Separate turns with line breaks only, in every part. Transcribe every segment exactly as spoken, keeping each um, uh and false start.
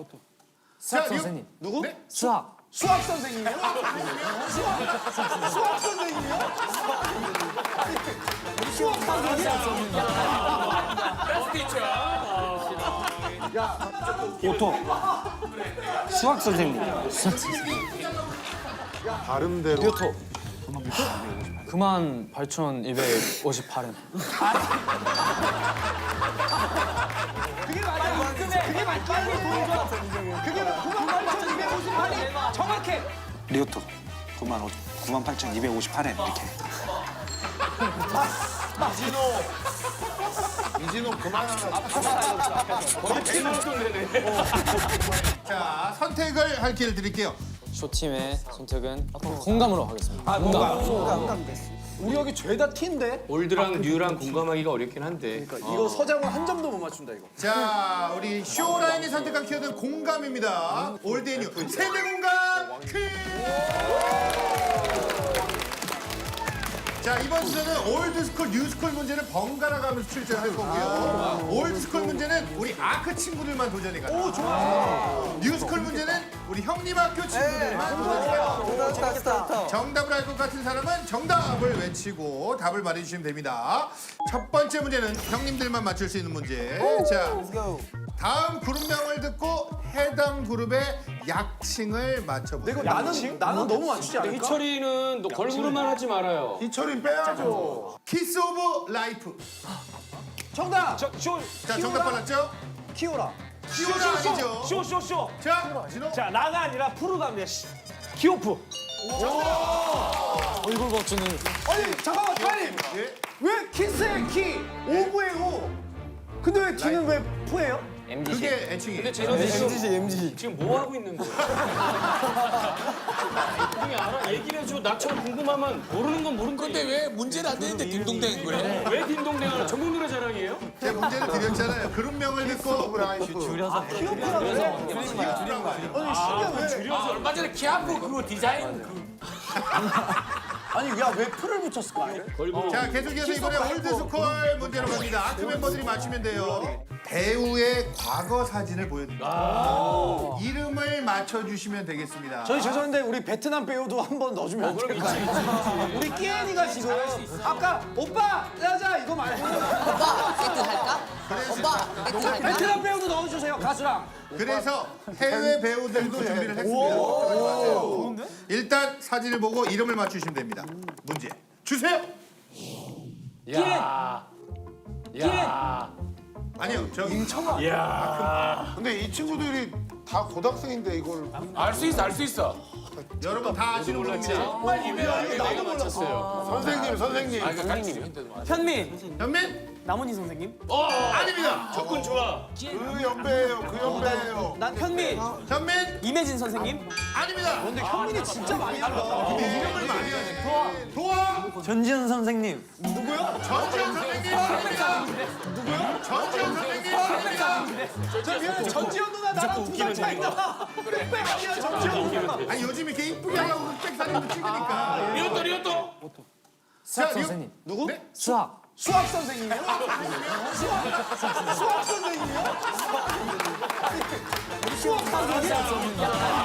수학 선생님.
누구?
네?
수학.
수학 선생님이요? 수학, 수학 선생님이요? 수학 선생님이요?
오토. 수학 선생님. 수학 선생님.
발음대로.
뮤토. 그만 팔천이백오십팔 엔.
그게 맞아. 그게 맞아. 그게 구만 팔천이백오십팔이 정확해.
리오토 구만 팔천이백오십팔 엔 이렇게.
이진호 그만하라.
자, 선택을 할 기회를 드릴게요.
쇼팀의 선택은 공감으로 하겠습니다. 공감.
우리 여기 죄다 티인데?
올드랑 뉴랑 공감하기가 어렵긴 한데.
이거 서장훈 한 점도 못 맞춘다 이거.
자, 우리 쇼라인이 선택한 키워드는 공감입니다. 올드 앤 뉴 세대 공감 퀴즈! 자, 이번 주제는 올드스쿨, 뉴스쿨 문제를 번갈아 가면서 출제할 거고요. 올드스쿨 문제는 우리 아크 친구들만 도전해 가요. 오, 좋아. 뉴스쿨 문제는 우리 형님 학교 친구들만 도전해 가요. 정답을 알 것 같은 사람은 정답을 외치고 답을 말해주시면 됩니다. 첫 번째 문제는 형님들만 맞출 수 있는 문제. 자, 다음 그룹명을 듣고 해당 그룹의 약칭을 맞춰보세요.
이거 나는 나는 너무 맞추지 않을까?
희철이는 너 걸그룹만 하지 말아요.
이철이 빼야죠.
키스 오브 라이프.
정답. 저, 쇼.
자, 정답 빨랐죠?
키오라.
키오라 아니죠?
쇼쇼쇼.
자, 진호.
자 나가 아니라 프로답니다. 시- 키오프.
얼굴 버튼을.
아니 잠깐만 타임.
예.
왜 키스의 키 오브의 오? 근데 왜 키는 왜 푸예요?
그게 애칭이에요.
근데 쟤는 지금 엠지. 지금 뭐 하고 있는 거야? 그냥 알아. 얘기를 해줘. 나처럼 궁금하면 모르는 건 모르는 건데 왜 문제는 안 되는데 딩동댕인 거야? 왜 딩동댕을? 전국 노래 자랑이에요?
제가 문제를 드렸잖아요. 그룹명을 듣고
라이프.
아, 얼마 전에 키아프 그거 디자인 그
아니 야 왜 풀을 붙였을까?
자, 계속해서 이번에 올드스콜 문제로 갑니다. 아크 멤버들이 맞추면 돼요. 배우의 과거 사진을 보여드립니다. 이름을 맞춰주시면 되겠습니다.
저희 죄송한데 우리 베트남 배우도 한번 넣어주면 안 될까요? 우리 끼엔이가 지금 아까 오빠 짜자 이거 말고
오빠 세트 할까? 오빠 세트 할까?
베트남 배우도 넣어주세요 가수랑.
그래서 해외 배우들도 준비를 했습니다. 일단 사진을 보고 이름을 맞추시면 됩니다. 문제 주세요.
야. 야.
아니요, 저 임청아.
근데 이 친구들이 다 고등학생인데 이걸
알 수 있어, 알 수 있어.
여러분 다 아시는 분입니다.
정말 유명하게 내가 맞췄어요.
선생님 선생님.
아, 그러니까 선생님.
현민.
현민?
남은희 선생님.
아닙니다.
접근 좋아.
그 연배예요. 그 연배예요.
난 현민.
현민?
이매진 선생님.
아닙니다.
근데 현민이 진짜 많이 한다.
이름을 많이 하네. 도와. 도와.
전지현 선생님.
전지현 선생님 아닙니다. 누구요? 전지현 선생님 아닙니다.
저 미안해 전지현 누나 나랑 두 살 차이 나. 흑백 아니야 전지현 누나.
아니 요즘 이렇게 이쁘게 하려고 흑백 사진도 찍으니까.
리오또 리오또.
수학
자, 이거-
선생님.
누구?
네?
수학.
수학 선생님이요? 수학 수학 선생님이요? 수학 선생님?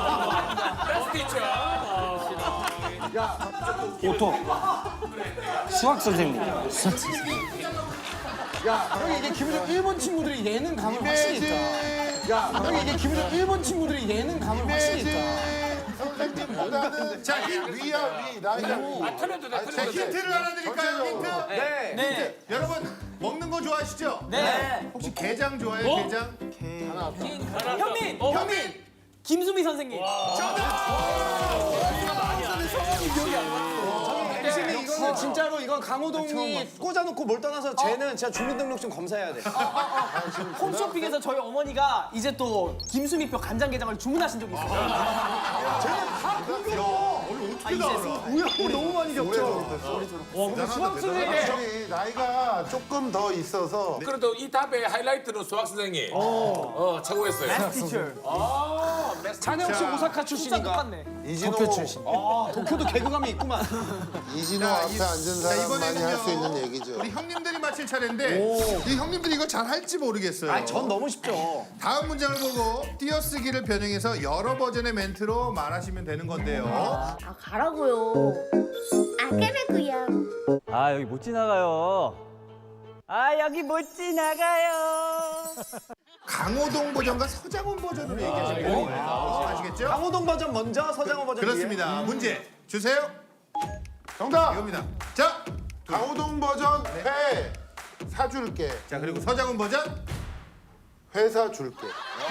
오토. 수학 선생님. 수학 선생님.
야 형이 이게 기본적으로 일본 친구들이 예능 감을 확실히 있다. 야 형이 이게 기본적으로 일본 친구들이 예능 감을 확실히 있다.
선생님보다는
자, 힌,
위야 위 나이가 위.
틀려도 돼,
자,
틀려도 돼.
힌트를 하나 드릴까요? 힌트?
네.
네.
여러분 먹는 거 좋아하시죠?
네.
혹시 게장 좋아해요? 게장?
현민.
어,
현민. 김수미 선생님.
교수님 이거는 진짜로 이건 강호동이 꽂아놓고 뭘 떠나서 쟤는 진짜 주민등록증 검사해야 돼.
홈쇼핑에서 저희 어머니가 이제 또 김수미표 간장게장을 주문하신 적이 있어요.
어떻게 나와?
우야 우리 너무 많이 겪죠.
수학 선생님 나이가 조금 더 있어서
그래도 이 답의 하이라이트는 수학 선생님. 어, 어 최고였어요.
티처.
아,
자네 혹시
자,
오사카
진짜
출신인가?
똑같네.
이진호
아, 도쿄도 개그감이 있구만.
이진호
자,
앞에
이-
앉은
자,
사람만이 할 수
이번에는요.
있는 얘기죠.
우리 형님들이 맞힐 차례인데 이 형님들이 이거 잘 할지 모르겠어요.
아, 전 너무 쉽죠.
다음 문장을 보고 띄어쓰기를 변형해서 여러 버전의 멘트로 말하시면 되는 건데요.
아 가라고요. 아 까라고요.
아 여기 못 지나가요. 아 여기 못 지나가요.
강호동 버전과 서장훈 버전으로 얘기하시면 됩니다. 아시겠죠?
강호동 버전 먼저, 서장호 버전 뒤에.
그렇습니다. 문제 주세요.
정답.
이겁니다. 자,
강호동 버전 회 사줄게.
자 그리고 서장훈 버전.
회사 줄게.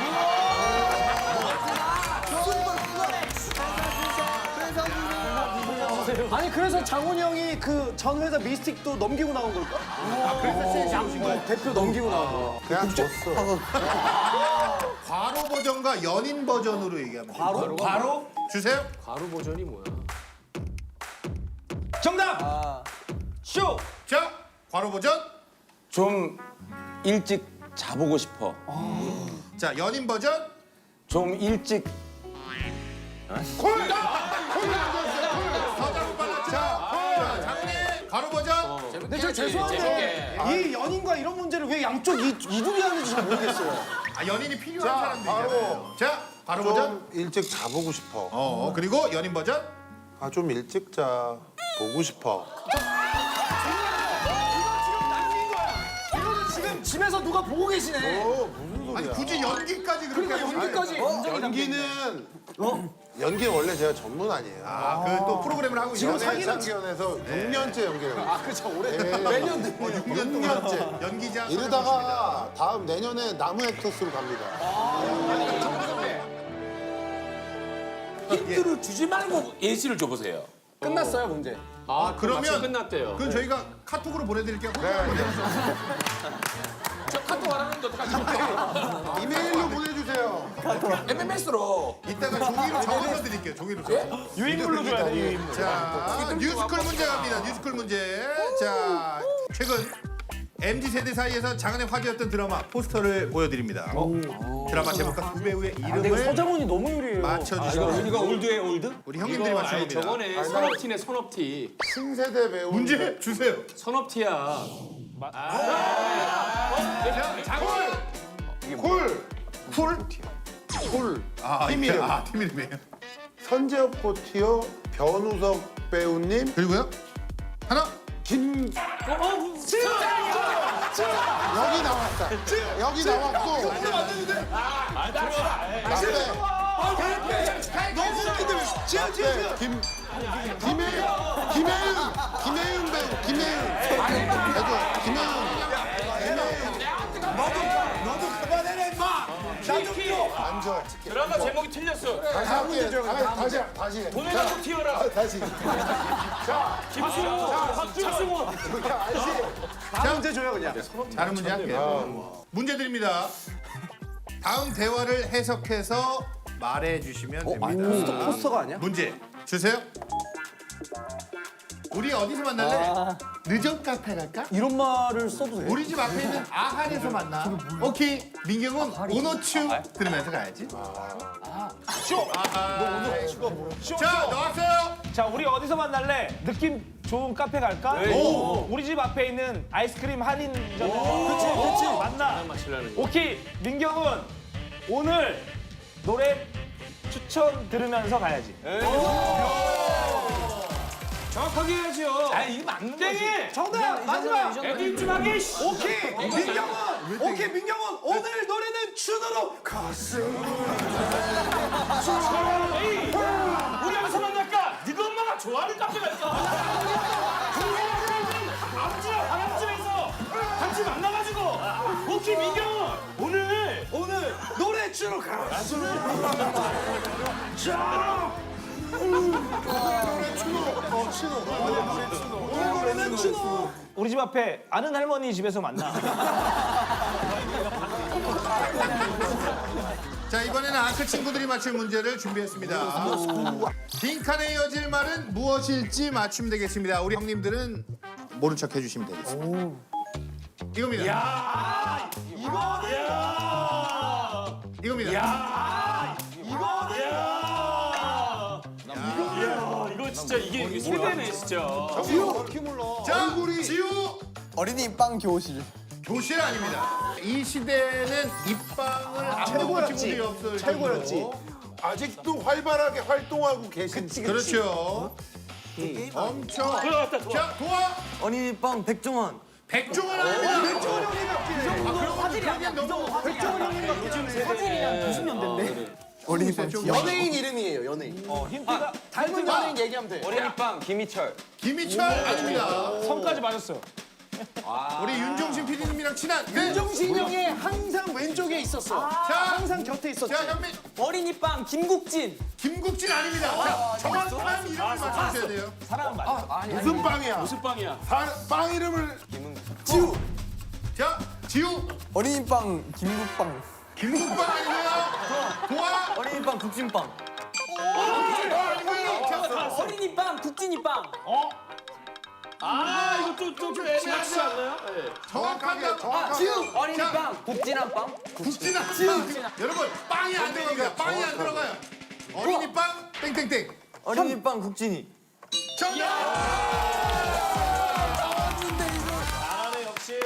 아니 그래서 장훈이 형이 그 전 회사 미스틱도 넘기고 나온 걸까?
아, 그래서 세신 거예요.
대표 넘기고 나온 거.
그냥 줬어.
과로 버전과 연인 버전으로 얘기하면 돼요. 과로? 과로? 주세요.
가루 버전이 뭐야?
정답. 쇼.
자, 과로 버전.
좀 일찍 자보고 싶어.
자, 연인 버전.
좀 일찍
서장훈 빨랐죠. 자, 장훈이 과로 버전.
근데 저 죄송한데 이 연인과 이런 문제를 왜 양쪽 이, 이둘이 하는지 잘 모르겠어요.
아, 연인이 필요한
자,
사람들이잖아요. 자, 과로 버전.
좀 일찍 자보고 싶어.
어, 그리고 연인 버전.
아 좀 일찍 자 보고 싶어.
이거는 지금 집에서 누가 보고 계시네.
어 무슨 소리야?
아니 굳이 연기까지 그렇게
그러니까
하시면
연기까지.
아니, 연기는 연기 원래 제가 전문 아니에요.
아, 그 또 프로그램을 하고
지금
있어요.
사기연에서 육 년째 연기를 하고
아 그쵸 오래.
있어요.
매년
네.
어, 육 년 동안 연기자.
이러다가 다음 내년에 나무 액터스로 갑니다.
힌트를 주지 말고 예시를 줘보세요.
끝났어요 문제.
아,
그러면-
그러면 끝났대요.
그건 저희가 카톡으로 보내드릴게요.
저 카톡 안 하는데 어떡하지?
이메일로 보내주세요.
엠엠에스로.
이따가 종이로 적어서 드릴게요. 종이로 적어.
유인물로 줘야 돼 유인물.
자, 뮤지컬 문제 갑니다. 뮤지컬 문제. 자, 최근 엠지 세대 사이에서 장안의 화제였던 드라마 포스터를 보여드립니다. 드라마 제목과 두 배우의 이름을
서장훈이 너무 유리해요.
맞춰주시면
이거 올드에 올드?
우리 형님들이 맞추는
아니,
겁니다.
저번에 선업티네 선업티.
신세대 배우.
문제 주세요.
선업티야.
콜. 콜. 콜.
아,
팀
이게-
이름.
아, 팀 이름이에요.
선재엽 코티어 변우석 배우님.
그리고요. 하나.
김. 여기 나왔다. 여기 나왔고.
너무 웃긴데 왜 지금
네, 김. 김혜윤. 김혜윤. 김혜윤 배우. 김혜윤. 해줘. 김혜윤. 앉아.
드라마 제목이 틀렸어.
다시 할게. 아, 다시 다시. 해.
돈을 갖고 튀어라.
다시.
김승호, 박승호.
다음 문제 줘요 그냥.
다른 문제 할게요. 문제 드립니다. 다음 대화를 해석해서 말해 주시면 됩니다.
포스터가 아니야?
문제 주세요. 우리 어디서 만날래? 늦은 카페 갈까?
이런 말을 써도 돼?
우리 집 앞에 있는 아한에서 만나. 오케이. 민경은 오노추 들으면서 가야지. 쇼. 아하. 자, 나왔어요.
자, 우리 어디서 만날래? 느낌 좋은 카페 갈까?
오.
우리 집 앞에 있는 아이스크림 할인점. 그치, 그치. 만나. 오케이, 민경은 오늘 노래 추천 들으면서 가야지.
정확하게 해야죠.
아, 이거 맞는 거지.
정답 마지막.
애들 좀 하게.
오케이 민경은 오케이 민경은 오늘 노래는 춘으로 가슴.
에이, 우리 어디서 만날까? 네가 엄마가 좋아하는 카페 갈까? 앞집 앞집에서 같이 만나가지고. 오케이 민경은 오늘
오늘 노래 춘으로 가슴. 오늘 노래는 춘으로.
우리 집 앞에 아는 할머니 집에서 만나.
자, 이번에는 아크 친구들이 맞출 문제를 준비했습니다. 빈칸에 이어질 말은 무엇일지 맞추면 되겠습니다. 우리 형님들은 모른 척 해주시면 되겠습니다. 이겁니다.
이거는
이겁니다.
이거는
진짜 이게 이게 세대네 진짜.
자, 지우.
어린이 빵 교실.
교실 아닙니다. 이 시대는 입방을 안 먹은 친구들이 없어요.
최고였지.
아직도 활발하게 활동하고 계신.
그렇죠. 엄청. 자, 도와.
어린이빵 백종원.
백종원 아닙니다. 백종원 형이 몇 개?
화질이 아니야. 그 정도 화질이야. 화질이야. 구십 년대인데.
어린이빵. 연예인 이름이에요, 연예인.
어, 힌트가
닮은 연예인 얘기하면 돼.
어린이빵 김희철.
김희철 아닙니다.
성까지 맞았어요.
우리 윤종신 피디님이랑 친한. 네.
윤종신 형이 항상 왼쪽에 있었어.
자,
항상 곁에 있었지.
자, 현민.
어린이빵 김국진.
김국진 아닙니다. 자, 정확한 이름을 맞춰주셔야 돼요.
사랑은 맞아.
무슨 빵이야?
무슨 빵이야?
파- 빵 이름을
지우.
자, 지우.
어린이빵 김국빵.
김국빵 아니고요. 도와.
어린이빵 국진빵.
어린이빵 국진이빵.
아 이거 또좀 애매하지 않나요? 네.
정확한 답.
정확하게.
지우.
어린이빵 국진한빵.
국진아. 여러분, 빵이 안 들어갑니다. 빵이 안 들어가요. 어린이빵 땡땡땡.
어린이빵 국진이.
정답.
잘하네 역시.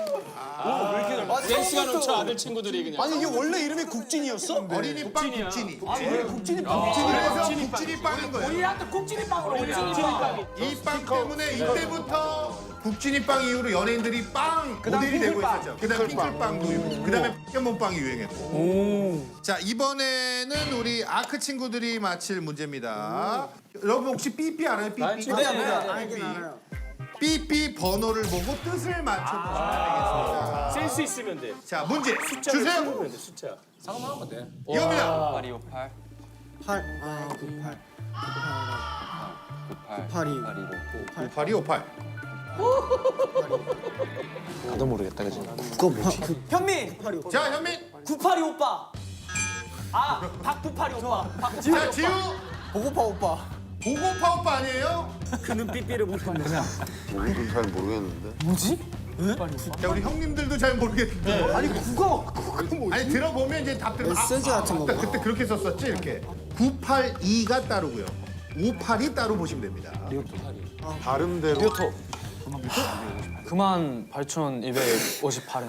센스가 넘쳐 아들 친구들이 그냥.
아니 이게 원래 이름이 국진이었어?
어린이빵 국진이.
국진이빵.
그래서 국진이 빵인 거예요.
우리한테 국진이빵으로 국진이빵.
이 빵 때문에 이때부터 국진이 빵 이후로 연예인들이 빵 모델이 되고 있었죠. 그다음에 핑클빵도 유행. 그다음에 포켓몬빵이 유행했고. 자, 이번에는 우리 아크 친구들이 맞힐 문제입니다. 여러분 혹시 삐삐 알아요? 삐삐.
네, 알긴
알아요. 삐삐 번호를 보고 뜻을 맞춰보시면 되겠습니다.
센스 있으면 돼.
자, 문제
숫자를
주세요.
세우면 돼, 숫자. 상관만 하면 돼.
이겁니다.
팔이오팔.
팔. 아, 구팔.
구팔.
오팔이 오팔.
나도 모르겠다 그지?
현민.
자, 현민.
구팔이 오빠. 아 박구팔이 오빠. 박구팔이
자,
오빠.
지우.
보고파 오빠.
보고파 오빠 아니에요?
모르긴 잘 모르겠는데.
자, 우리 형님들도 잘 모르겠는데.
아니 국어. 국어 뭐?
아니 들어보면 이제 답들
메시지 같은 거
그때, 그때 그렇게 썼었지 이렇게. 구팔이가 따르고요. 오팔이 따로 보시면 됩니다.
발음대로.
그만 팔천이백오십팔 엔.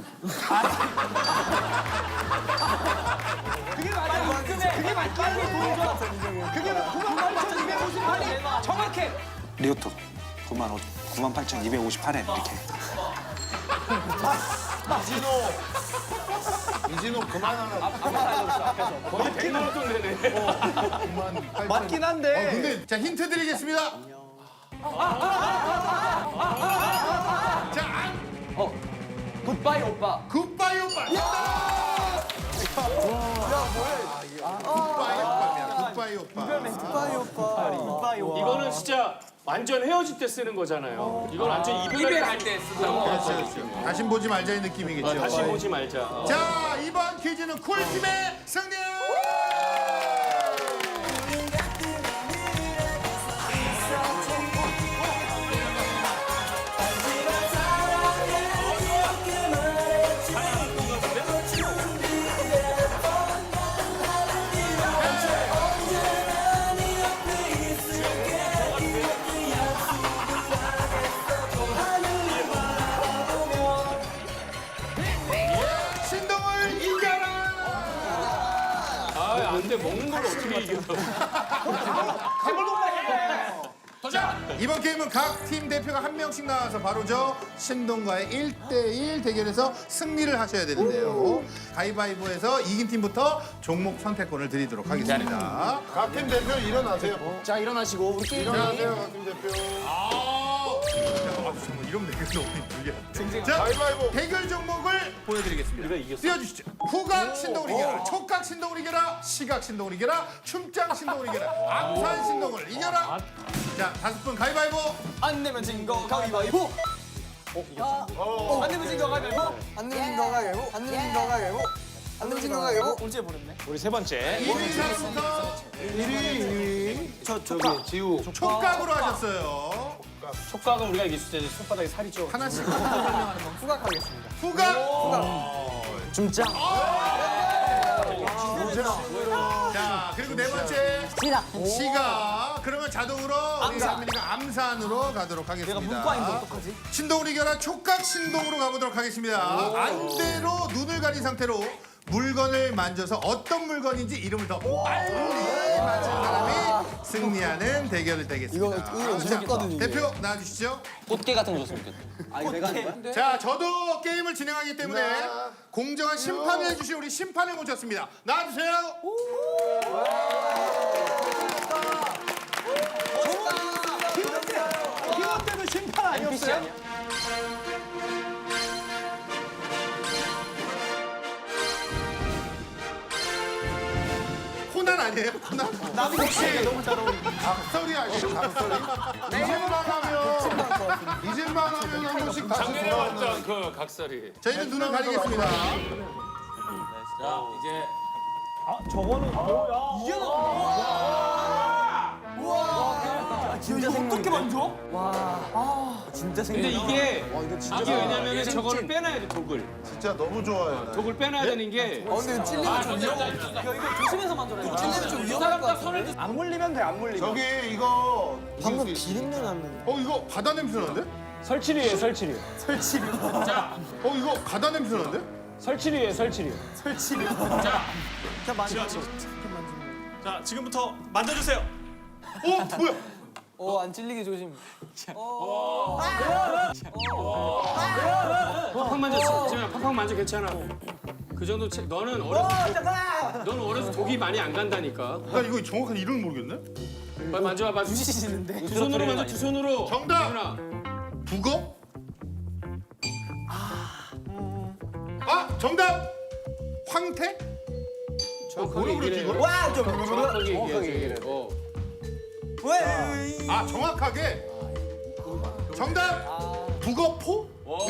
그게 맞아. 그게 맞 빨리 보여줘. 그게 구만 팔천이백오십팔이 정확해.
리오토 구만 구만 팔천이백오십팔 엔 이렇게.
이진호 그만하라.
거의 백만 원 돈 내네.
맞긴
어,
한데.
근데 자 힌트 드리겠습니다. 자, 안.
굿바이 오빠.
굿바이 오빠. 굿바이 오빠입니다. 굿바이 오빠.
빠이 오빠. 빠이 오빠.
이거는 진짜 완전 헤어질 때 쓰는 거잖아요. 이건 완전 이별할 때 쓰는 거.
그렇죠, 그렇죠. 다시 보지 말자의 느낌이겠죠.
다시 보지 말자. 어.
자, 이번 퀴즈는 쿨팀의 승리! 신동을 이겨라!
아, 안 돼. 먹는 걸 어떻게 이겨.
자, 이번 게임은 각 팀 대표가 한 명씩 나와서 바로 저 신동과의 일 대일 대결에서 승리를 하셔야 되는데요. 가위바위보에서 이긴 팀부터 종목 선택권을 드리도록 하겠습니다.
각 팀 대표 일어나세요.
자 일어나시고 우리 게임.
일어나세요, 각 팀 대표.
아, 정말 이런 대결 너무 힘들게. 자,
가위바위보.
대결 종목을 보여드리겠습니다.
우리가 이겼어.
띄워주시죠. 후각 신동을 이겨라, 촉각 신동을 이겨라, 시각 신동을 이겨라, 춤장 신동을 이겨라, 암산 신동을 이겨라. 자, 다섯 분 가위바위보.
안 내면 진 거 가위바위보. 안 내면 진 거 가위바위보.
안 내면 너가 개고. 안 내면 너가 개고. 안 내면 너가 개고.
언제 버렸네.
우리 세 번째.
일 위 사부터
저 촉각.
지우.
촉각으로 하셨어요.
촉각은 우리가 이길 수 있지. 손바닥에 살이 쪄.
하나씩
후각하겠습니다.
후각.
줌짱.
자, 그리고 네 번째
시작.
시가. 그러면 자동으로 우리 현민이가 암산으로 가도록 하겠습니다.
내가 문과인데 어떡하지?
신동을 이겨라 촉각 신동으로 가보도록 하겠습니다. 안대로 눈을 가린 상태로 물건을 만져서 어떤 물건인지 이름을 더 빨리 맞힌 사람이 승리하는 대결이 되겠습니다.
이거, 이거
자,
재밌거든요, 이게.
대표 나와주시죠.
꽃게 같은 거 줬으면 좋겠다.
아 이거 내가 하는 거야?
자, 저도 게임을 진행하기 때문에 공정한 심판을 해주실 우리 심판을 모셨습니다. 나와주세요.
이것 때는 심판 아니었어요?
코난 아니에요? 코난?
나도 혹시 너무 잘 어울려.
각설이 아니에요, 각설이? 이질만 하면, 이질만 하면 한 번씩 다시
작년에
돌아오는.
왔던 그 각설이.
저희는 눈을 가리겠습니다.
자, 이제
아 저거는 뭐야? 이게
진짜 어떻게 만져?
진짜
근데
생겼다.
이게 이게 왜냐면은 저거를 빼놔야 돼 독을.
진짜 너무 좋아요. 나.
독을 빼놔야 되는 게.
어 근데 찔리면 좀 위험해.
야 이거 조심해서 만져라.
찔리면 좀 위험할 것 같은데.
안 물리면 돼, 안 물리면.
저기 이거
방금 비린내 났는데.
어, 이거 바다 냄새 나는데?
설치류예요, 설치류.
어, 이거 바다 냄새 나는데?
설치류예요, 설치류.
자 만져.
자, 지금부터 만져주세요.
어, 뭐야?
어안 찔리게 조심.
팍팍 만졌어. 지금 팍팍 만져 괜찮아. 그 정도 체, 너는 어렸을 때 너는 어렸을 때 독이 많이 안 간다니까.
나 이거 정확한 이름을 모르겠네?
빨리 만져봐. 두
부시시는데.
손으로 만져. 두 손으로.
정답!
예준아.
북어? 아, 정답! 황태?
정확하게
뭐라 그러지,
얘기해.
이거를?
와 좀.
정확하게 얘기해. 어.
왜?
아, 정확하게? 정답! 북어포?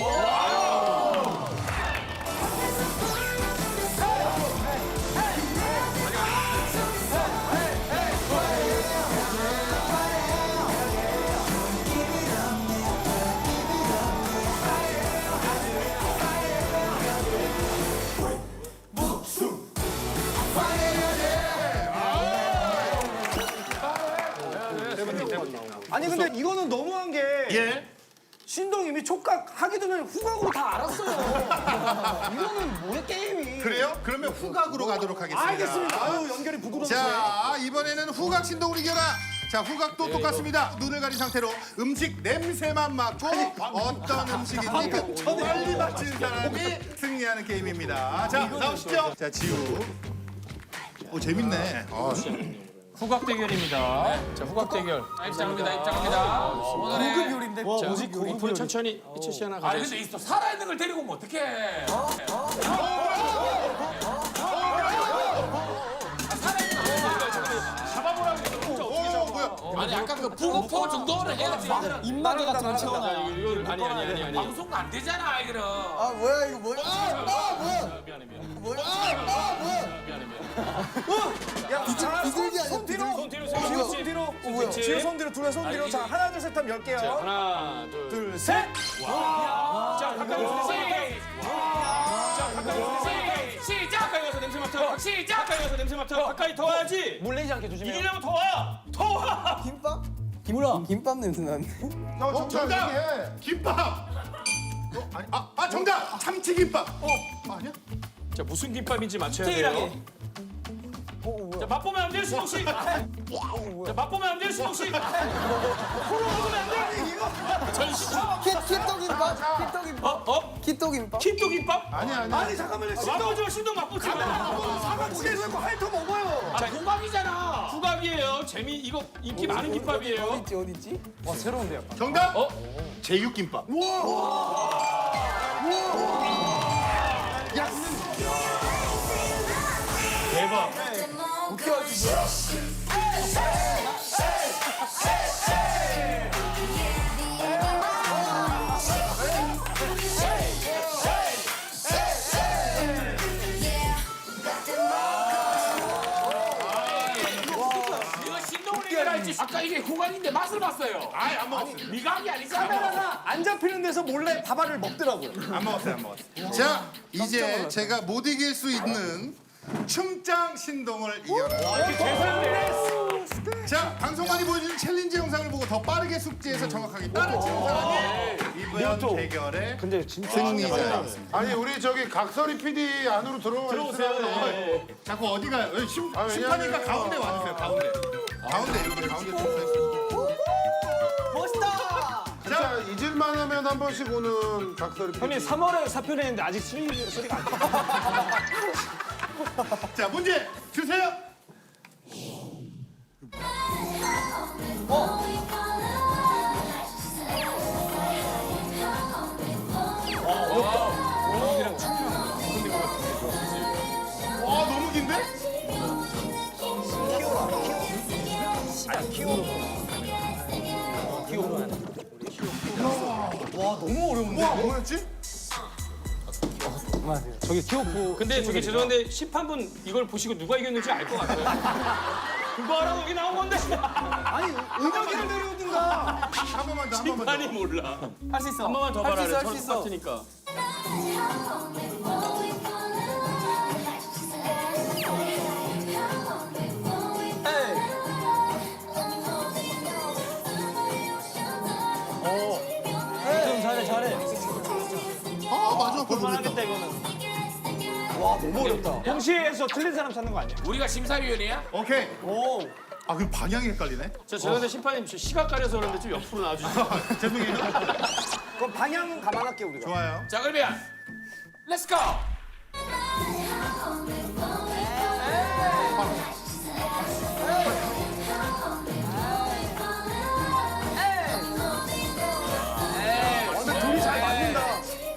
아니 근데 이거는 너무한 게
예.
신동 이미 촉각 하기 전에 후각으로 다 알았어요. 이거는 뭐야 게임이?
그래요? 그러면 후각으로 가도록 하겠습니다.
알겠습니다. 아유 연결이 부드러우시네.
자, 이번에는 후각 신동을 이겨라. 자, 후각도 똑같습니다. 눈을 가린 상태로 음식 냄새만 맡고 어떤 음식인지 그 빨리 맞힌 사람이 승리하는 게임입니다. 자, 나오시죠. 자, 지우. 오, 재밌네. 아,
후각 대결입니다. 자, 후각 대결. 입장합니다. 입장합니다. 오늘의
고급 요리인데.
자, 고급으로 천천히 이철 씨 하나 가져.
근데 있어 살아있는 걸 데리고 오면 어떡해?
오, 뭐야?
아니 약간 그 부고포 정도는 해야지.
입마개 같은 거
아, 이거를 아니 아니 아니 아니.
방송 안 되잖아 이거는.
아, 뭐야, 이거 뭐야? 아, 뭐야?
미안해 미안해.
뭐야? 아, 뭐야?
미안해 미안해.
야, 자,
비둘기 아니야,
손 뒤로.
손 뒤로
지우
손
손 뒤로.
뭐야?
지우 손 뒤로, 둘의 손 뒤로.
아,
자,
이게-
하나, 둘, 셋 하면 열게요.
자, 하나, 둘,
둘, 셋.
자, 가까이 와서 자, 가까이 와서
시작.
가까이 와서 냄새 맡아. 시작. 가까이 와서 냄새 맡아. 가까이 더 와야지.
물리지 않게 조심해요.
이기려면 더 와. 더 와.
김밥?
김우라.
김밥 냄새 나는데?
형,
어, 정답! 김밥! 어, 아니, 아, 아, 정답! 참치김밥! 어, 아니야?
자, 무슨 김밥인지 맞춰야 돼요.
디테일하게.
자, 맛보면 안 돼요, 신동 씨. 자, 맛보면 안 돼요, 신동 씨. 코로 먹으면 안 돼. 전시차.
키, 키토김밥? 키토김밥?
어? 어?
키토김밥?
킨또 김밥?
아니, 아니.
아니 잠깐만요. 신동
맛보지 마, 신동 맛보지 마.
사과 고개 들고 핥어 먹어요.
자, 후각이잖아. 후각이에요. 재미 이거 인기 많은 김밥이에요.
어딨지, 어딨지?
와 새로운데요.
정답!
어?
제육김밥.
대박.
이거 신동을 이겨야지. 아까 이게 후각인데 맛을 봤어요.
아이, 안 먹었어요.
미각이 아니잖아.
카메라가 안 잡히는 데서 몰래 밥알을 먹더라고요.
안 먹었어요, 안 먹었어요. 자, 이제 제가 못 이길 수 있는 춤장 신동을 이겨라. 자, 방송 많이 보여주는 챌린지 영상을 보고 더 빠르게 숙지해서 정확하게 따라치는 사람이 이번 대결의
근데 진짜
승리자였습니다.
아니 우리 저기 각설이 피디 안으로 들어와 들어오세요.
자꾸 어디 가요? 여기 심,
아,
심판이니까
왜냐면-
가운데 와주세요. 가운데. 가운데 이렇게 가운데 좀 서있어요.
멋있다.
진짜 잊을만 하면 한 번씩 오는 각설이 피디.
형님 삼월에 사표 냈는데 아직 수리, 소리가 안 나.
자, 문제 주세요. 와, 너무 긴데? 와, 너무 어려운데? 와, 뭐였지?
저기 키오프.
근데 저기 죄송한데 심판분 이걸 보시고 누가 이겼는지 알 것 같아요. 그거 하라고 여기 나온 건데.
아니 은혁이를 내려오든가.
한 번만 더, 한 번만 더.
심판이 몰라.
할 수 있어.
한 번만 더
할 수
봐라.
있어, 할
저랑
수 있어.
똑같으니까.
좀 잘해 잘해.
아, 맞아. 그거 모르겠다.
하겠다 이거는.
와 너무 어렵다.
동시에서 틀린 사람 찾는 거 아니야?
우리가 심사위원이야?
오케이.
오.
아, 그럼 방향이 헷갈리네.
저 죄송한데 심판님 저 시각 가려서 그런데 좀 옆으로 나와주세요.
죄송해요.
그럼 방향은 감안할게 우리가.
좋아요.
자 그러면 렛츠 고!
근데 둘이 잘 맞는다.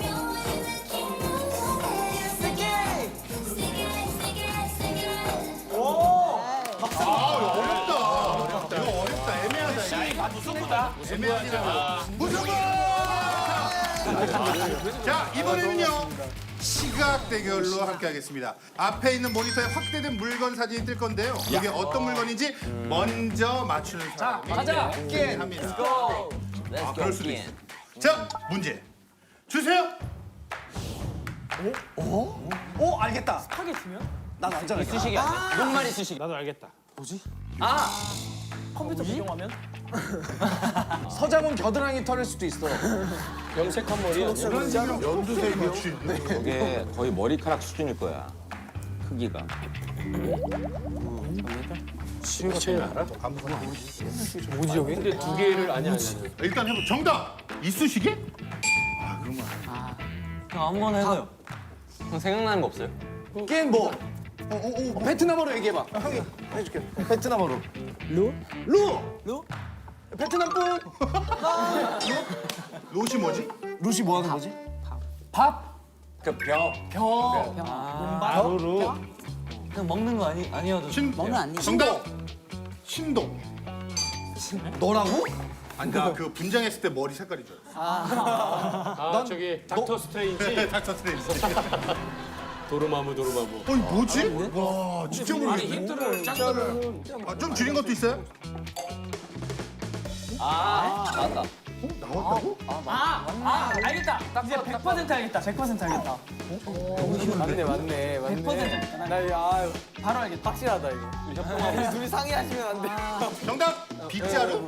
어렵다. 이거 어렵다. 애매하다.
아 무승부다.
애매하다. 무승부! 자, 이번에는요. 시각 대결로 함께하겠습니다. 앞에 있는 모니터에 확대된 물건 사진이 뜰 건데요. 이게 어떤 물건인지 먼저 맞추는 사람이
가자.
합니다. 아, 그럴 수도 있어. 자, 문제 주세요.
오 알겠다. 스파게티면? 난 완전 알겠다.
이쑤시개 아니야? 녹말 이쑤시개.
나도 알겠다.
컴퓨터 비용하면? 서장훈 겨드랑이 털일 수도 있어.
염색한 머리야.
연두색이요?
저게 거의 머리카락 수준일 거야. 크기가.
근데 두 개를 아니 아니.
일단 해보. 정답. 이쑤시개?
아무거나 해봐요. 형 생각나는 거 없어요?
게임 뭐? 어, 어, 어, 베트남어로 얘기해봐. 형이 해줄게. 베트남어로. 루? 루! 루? 베트남 분!
롯이 뭐지?
루시 뭐 하는 거지? 밥?
그 벼.
벼.
아루루.
그냥 먹는 거 아니 아니어도
신.
먹는 아니.
정답. 신동.
너라고?
아까 그 분장했을 때 머리 색깔이 좋아요.
아 저기 닥터 스트레인지.
닥터 스트레인지.
도르마무 도르마무.
어이 뭐지? 와 진짜
아니
모르겠네.
힌트를 짱구는
아, 좀 줄인 것도 있어요?
맞다.
나왔다고?
아, 아, 알겠다. 이제 백 퍼센트 알겠다. 백 퍼센트 알겠다. 맞네, 맞네, 맞네. 백 퍼센트 알겠다. 나 이거 아, 바로 알겠다. 확실하다 이거. 우리 둘이 상의하시면 안 돼.
정답. 빗자루.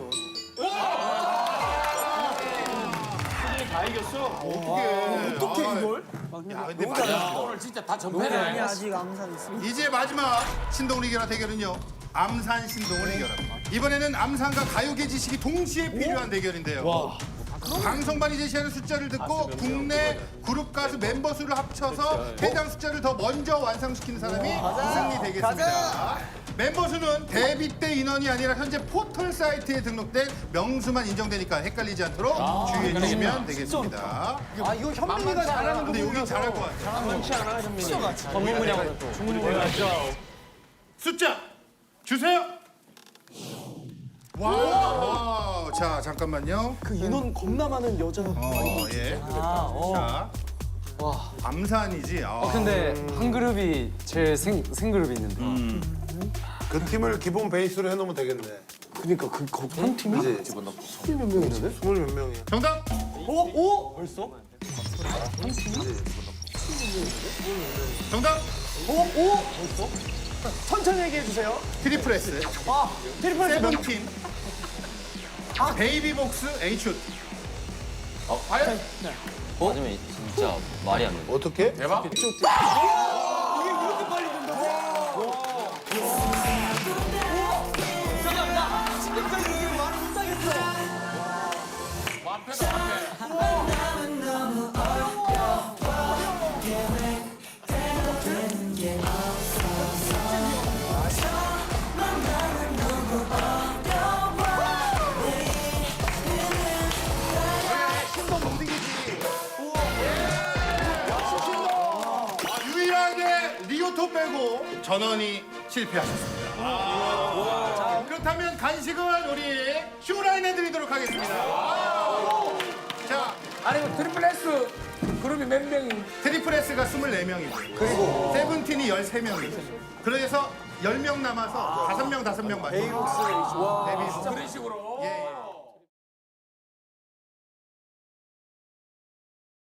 다 이겼어.
어떻게? 어떻게
이걸?
야 근데 마지막.
오늘 진짜 다 전패네.
아직 암산 있어.
이제 마지막 신동을 이겨라 대결은요. 암산 신동을 이겨라. 이번에는 암산과 가요계 지식이 동시에 필요한 대결인데요. 방송반이 제시하는 숫자를 듣고 국내 그룹 가수 멤버 수를 합쳐서 해당 숫자를 더 먼저 완성시키는 사람이 승리 되겠습니다. 멤버 수는 데뷔 때 인원이 아니라 현재 포털 사이트에 등록된 명수만 인정되니까 헷갈리지 않도록 주의해 주시면 되겠습니다.
아, 이거 현민이가 잘하는
근데 여기 잘할 것 같아요.
전문 분야거든 또.
숫자 주세요. 와, 자 잠깐만요.
그 인원 겁나 많은 여자.
어, 예. 자, 와, 암산이지. 아.
근데 한 그룹이 제일 생, 생그룹이 있는데.
그 팀을 기본 베이스로 해놓으면 되겠네.
그러니까 그한 팀이
집어넣고. 스물 몇 명이네? 스물 몇 명이야.
정답.
오, 오, 벌써?
정답.
오, 오. 천천히 얘기해 주세요.
트리플 S,
아, 트리플 S 몇
세븐틴, 베이비복스, 에이치 오 티.
맞으면 진짜 말이 안 돼.
어떻게?
대박.
이게 이렇게 빨리 된다고? 잠깐만, 나 충격적인 얘기를 말을 못하겠어.
완패다 완패.
유일하게 리오토 빼고 전원이 실패하셨습니다. 자, 그렇다면 간식은 우리 슈라인 해드리도록 하겠습니다. 자,
아니 이거 트리플 S 그룹이 몇 명이?
트리플 S가 스물네 명이고 그리고 세븐틴이 열세 명이고 그래서 열 명 남아서 다섯 명 다섯 명 맞죠?
그런 식으로.
예, 예.